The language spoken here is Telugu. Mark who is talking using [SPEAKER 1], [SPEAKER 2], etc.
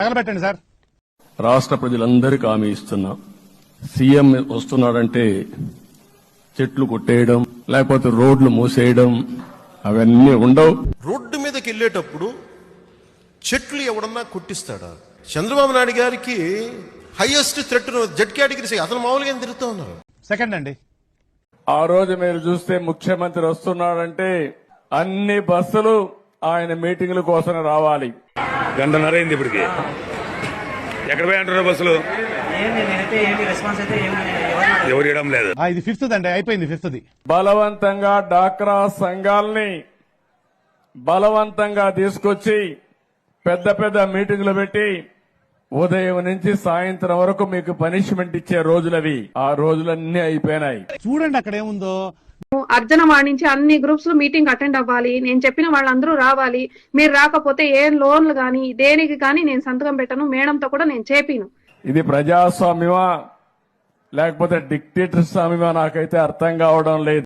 [SPEAKER 1] తగలబెట్టండి సార్.
[SPEAKER 2] రాష్ట్ర ప్రజలందరికీ హామీ ఇస్తున్నా, సీఎం వస్తున్నాడంటే చెట్లు కొట్టేయడం లేకపోతే రోడ్లు మూసేయడం అవన్నీ ఉండవు.
[SPEAKER 3] రోడ్డు మీదకి వెళ్ళేటప్పుడు చెట్లు ఎవడన్నా కొట్టిస్తాడా? చంద్రబాబు నాయుడు గారికి హైయెస్ట్ థ్రెట్ జెడ్ కేటగిరీ, అతను మామూలుగా తిరుగుతూ ఉన్నారు.
[SPEAKER 1] సెకండ్ అండి,
[SPEAKER 2] ఆ రోజు మీరు చూస్తే ముఖ్యమంత్రి వస్తున్నాడంటే అన్ని బస్సులు ఆయన మీటింగుల కోసం రావాలి.
[SPEAKER 4] గంటన్నరైంది ఇప్పటికి. ఎక్కడ పోయి అంటారు బస్సులు? ఎవరు ఇవ్వడం లేదు.
[SPEAKER 1] ఇది ఫిఫ్త్ అండి, అయిపోయింది ఫిఫ్త్ది.
[SPEAKER 2] బలవంతంగా డాక్రా సంఘాలని బలవంతంగా తీసుకొచ్చి పెద్ద పెద్ద మీటింగులు పెట్టి ఉదయం నుంచి సాయంత్రం వరకు మీకు పనిష్మెంట్ ఇచ్చే రోజులవి. ఆ రోజులన్నీ అయిపోయినాయి.
[SPEAKER 1] చూడండి అక్కడ ఏముందో.
[SPEAKER 5] అర్జనవాడి నుంచి అన్ని గ్రూప్స్ లో మీటింగ్ అటెండ్ అవ్వాలి, నేను చెప్పిన వాళ్ళందరూ రావాలి. మీరు రాకపోతే ఏ లోన్లు గానీ దేనికి కానీ నేను సంతకం పెట్టను, మేడంతో కూడా నేను చేపిను.
[SPEAKER 2] ఇది ప్రజాస్వామ్యమా లేకపోతే డిక్టేటర్ స్వామ్యమా నాకైతే అర్థం కావడం లేదు.